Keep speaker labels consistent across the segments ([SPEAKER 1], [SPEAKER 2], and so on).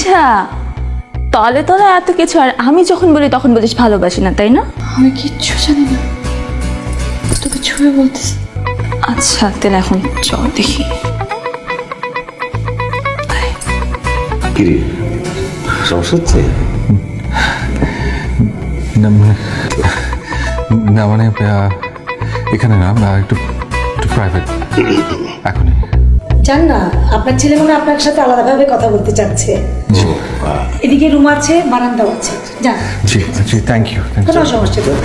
[SPEAKER 1] আচ্ছা, তলে তলে এত কিছু, আর আমি যখন বলি তখন বলিস ভালোবাসি না, তাই না?
[SPEAKER 2] আমি কিচ্ছু জানি না, তোকে ছুঁয়ে বলতেছি।
[SPEAKER 1] আচ্ছা তাহলে এখন চল দেখি।
[SPEAKER 3] কিরে সমস্যা হচ্ছে?
[SPEAKER 4] না মানে এখানে না, একটু একটু প্রাইভেট এখনই।
[SPEAKER 5] জান না, আপনার ছেলে মনে হয় আপনার সাথে আলাদাভাবে কথা বলতে চাচ্ছে। এদিকে রুম আছে, বারান্দাও আছে, যান।
[SPEAKER 4] জি জি, থ্যাংক ইউ।
[SPEAKER 5] কোনো সমস্যা নেই।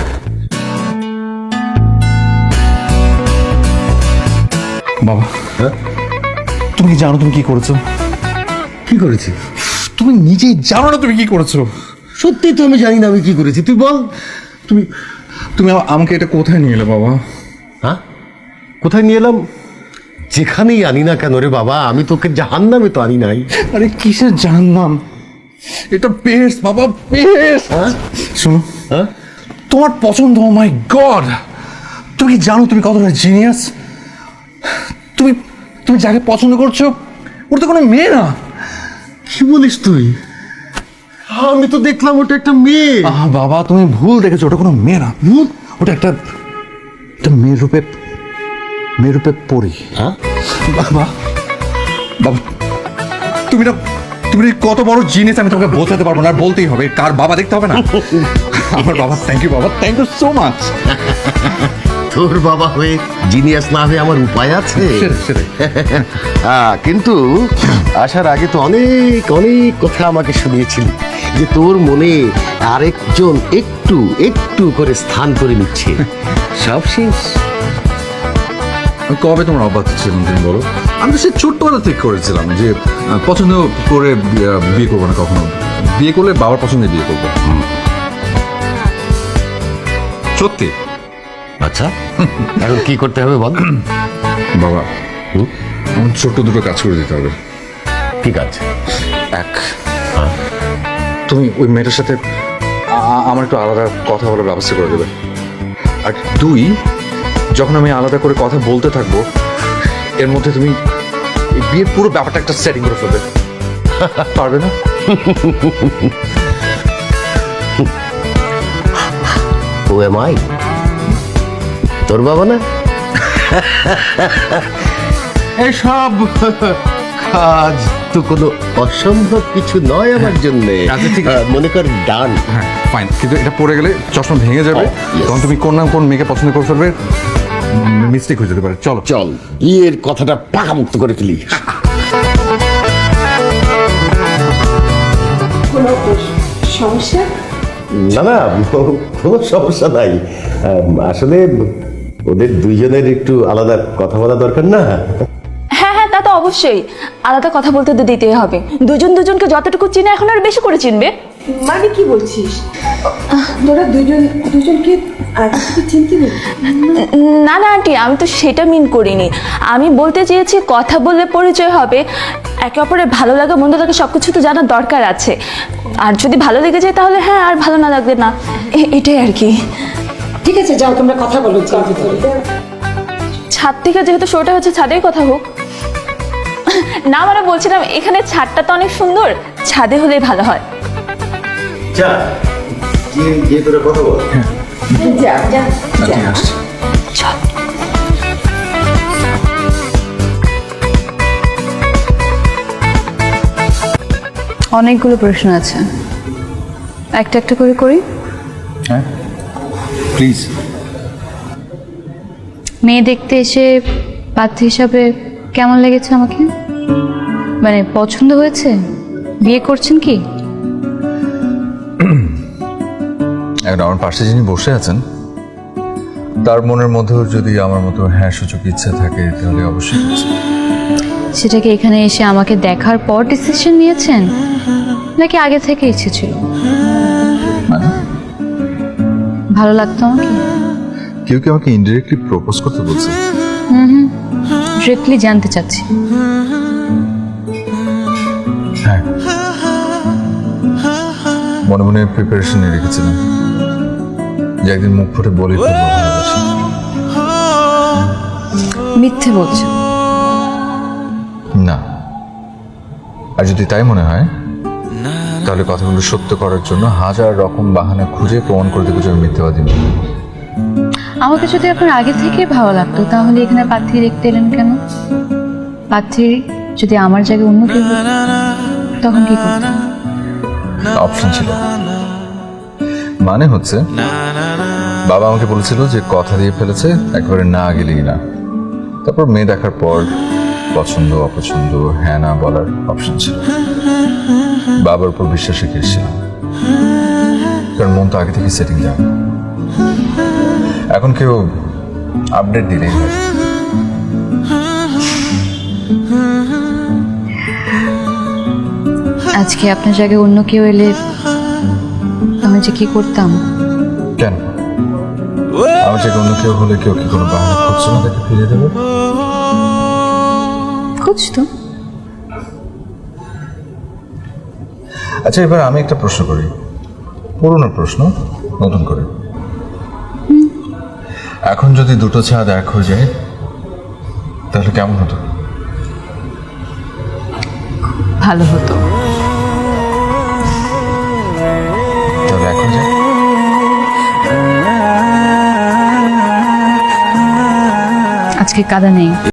[SPEAKER 4] বাবা, তুমি কি জানো তুমি কি করেছো?
[SPEAKER 3] কি করেছি?
[SPEAKER 4] তুমি নিজেই জানো না তুমি কি করেছো?
[SPEAKER 3] সত্যি তো আমি জানি না আমি কি করেছি, তুই বল।
[SPEAKER 4] তুমি তুমি আমাকে এটা কোথায় নিয়ে এলে বাবা?
[SPEAKER 3] হ্যাঁ, কোথায় নিয়ে এলাম? যেখানেই আনি না কেন রে বাবা, আমি তোকে জাহান্নামে তো আনি নাই।
[SPEAKER 4] আরে কিসের জানলাম, এটা বেস্ট বাবা, বেস্ট। শোনো,
[SPEAKER 3] হ্যাঁ,
[SPEAKER 4] তোমার পছন্দ, ও মাই গড, তুমি কি জানো তুমি কতটা জিনিয়াস? তুমি তুমি যাকে পছন্দ করছো ওর তো কোনো মেয়ে না।
[SPEAKER 3] কি বলিস তুই? আমি তো দেখলাম ওটা একটা মেয়ে।
[SPEAKER 4] বাবা তুমি ভুল দেখেছো, ওটা কোনো মেয়ে না, ওটা একটা একটা মেয়ের রূপে পড়ি।
[SPEAKER 3] হ্যাঁ
[SPEAKER 4] বাবা, বাবা তুমি না কত বড় জিনিস আমি তোমাকে বোঝাতে পারবো না, আর বলতেই হবে। কার বাবা দেখতে হবে না? আমার বাবা। থ্যাংক ইউ বাবা, থ্যাংক ইউ সো মাচ।
[SPEAKER 3] তোর বাবা হয়ে জিনিয়াস না হয়ে আমার উপায় আছে? কিন্তু আসার আগে তো অনেক অনেক কথা আমাকে শুনিয়েছিলি যে তোর মনে আরেকজন একটু একটু করে স্থান করে নিচ্ছে। সব শেষ।
[SPEAKER 4] কবে তোমার অবাক ছিলাম তুমি বলো? আমি তো সে ছোট্টবেলা ঠিক করেছিলাম যে পছন্দ করে বিয়ে করবো না কখনো। বিয়ে করলে বাবার পছন্দে বিয়ে করবো। সত্যি।
[SPEAKER 3] আচ্ছা, এখন কি করতে হবে বল?
[SPEAKER 4] বাবা, আমার ছোট্ট দুটো কাজ করে দিতে হবে।
[SPEAKER 3] কি কাজ?
[SPEAKER 4] এক, তুমি ওই মেয়েটার সাথে আমার একটু আলাদা কথা বলার ব্যবস্থা করে দেবে। আর দুই, যখন আমি আলাদা করে কথা বলতে থাকবো এর মধ্যে তুমি এই বিয়ের পুরো ব্যাপারটা একটা সেটিং করে ফেলবে। পারবে না?
[SPEAKER 3] ও এম আই তোর বাবা না? এসব কাজ তো কোনো অসম্ভব কিছু নয় আমার জন্য।
[SPEAKER 4] আচ্ছা, ঠিক আছে।
[SPEAKER 3] মনে কর ডান।
[SPEAKER 4] হ্যাঁ ফাইন, কিন্তু এটা পড়ে গেলে চশমা ভেঙে যাবে।
[SPEAKER 3] yes.
[SPEAKER 4] তখন তুমি কোন মেয়েকে পছন্দ করে ফেলবে, মিস্টেক হয়ে যেতে পারে। চলো
[SPEAKER 3] চল বিয়ের কথাটা পাকামুক্ত করে ফেলি।
[SPEAKER 5] কোনো সমস্যা?
[SPEAKER 3] না না, কোনো সমস্যা নাই। আসলে ওদের দুইজনের একটু আলাদা কথা বলা দরকার না?
[SPEAKER 1] হ্যাঁ হ্যাঁ, তা তো অবশ্যই, আলাদা কথা বলতে তো দিতেই হবে। দুজনকে যতটুকু চিনে এখন আর বেশি করে চিনবে।
[SPEAKER 5] মানে কি বলছিস? তোরা দুজনকে আগে থেকে চিনতে নেই?
[SPEAKER 1] না না আন্টি, আমি তো সেটা মিন করিনি। আমি বলতে চেয়েছি কথা বললে পরিচয় হবে, একে অপরের ভালো লাগা মন্দ লাগে সব কিছু তো জানার দরকার আছে। আর যদি ভালো লেগে যায় তাহলে হ্যাঁ, আর ভালো না লাগবে না, এটাই আর কি।
[SPEAKER 5] ঠিক আছে, যাও তোমরা কথা বলো ভিতরে।
[SPEAKER 1] ছাদ থেকে যেহেতু শোটা হচ্ছে, ছাদেই কথা হোক না। মানে বলছিলাম এখানে ছাদটা তো অনেক সুন্দর, ছাদে হলেই ভালো হয়।
[SPEAKER 3] তোরা কথা বল।
[SPEAKER 5] যা যা
[SPEAKER 4] ঠিক আছে।
[SPEAKER 1] চল।
[SPEAKER 2] অনেকগুলো প্রশ্ন আছে, একটা একটা করে করি।
[SPEAKER 4] হ্যাঁ প্লিজ।
[SPEAKER 2] মেয়ে দেখতে এসে পাত্রী হিসাবে কেমন লেগেছে আমাকে? মানে পছন্দ হয়েছে? বিয়ে করছেন কি?
[SPEAKER 4] এখন আমার পাশে যিনি বসে আছেন তার মনের মধ্যেও যদি আমার মতো হ্যাঁ সূচক ইচ্ছা থাকে তাহলে অবশ্যই করছি।
[SPEAKER 2] সেটাকে এখানে এসে আমাকে দেখার পর ডিসিশন নিয়েছেন, নাকি আগে থেকে ইচ্ছে ছিল?
[SPEAKER 4] মানে
[SPEAKER 2] ভালো লাগতো আমাকে?
[SPEAKER 4] কেউ কি আমাকে ইনডিরেক্টলি প্রপোজ করতে বলছে?
[SPEAKER 2] ডিরেক্টলি জানতে চাচ্ছি।
[SPEAKER 4] হ্যাঁ, মনে মনে প্রিপারেশন নিয়ে রেখেছিলাম যে একদিন মুখ ফুটে বলে ফেলবো ভালোবাসি।
[SPEAKER 2] মিথ্যে বলছো?
[SPEAKER 4] না, আর যদি তাই মনে হয় তাহলে কথাগুলো সত্য করার জন্য হাজার রকম বাহানা খুঁজে প্রমাণ করে দেবো যে আমি মিথ্যাবাদী নই।
[SPEAKER 2] আমাকে যদি আপনার আগে থেকে ভালো লাগতো তাহলে এখানে পাত্রী দেখতে এলেন কেন? পাত্রী যদি আমার জায়গায় অন্য কেউ হতো, তখন কি করতেন?
[SPEAKER 4] অপশন ছিল, মানে হচ্ছে বাবা আমাকে বলেছিল যে কথা দিয়ে ফেলেছে, একেবারে না গেলেই না। তারপর মেয়ে দেখার পর পছন্দ অপছন্দ হ্যাঁ না বলার অপশন ছিল। বাবার উপর বিশ্বাস রেখে এসেছিলাম, কারণ মন তো আগে থেকে সেটিং যায়। এখন কেউ আপডেট দিলেই হয়।
[SPEAKER 2] আজকে আপনার জায়গায় অন্য কেউ এলে আমি যে কি করতাম?
[SPEAKER 4] কেন আমার যে অন্য কেউ হলে কেউ কি কোনো বাহানা খুঁজছে না তাকে ফিরিয়ে দেবে?
[SPEAKER 2] খুঁজতো।
[SPEAKER 4] আচ্ছা, এবার আমি একটা প্রশ্ন করি, পুরনো প্রশ্ন নতুন করে। এখন যদি দুটো ছাদ এক হয়ে যায় তাহলে কেমন হতো?
[SPEAKER 2] ভালো হতো।
[SPEAKER 4] তাহলে এখন যাই।
[SPEAKER 2] আজকে কাদা নেই।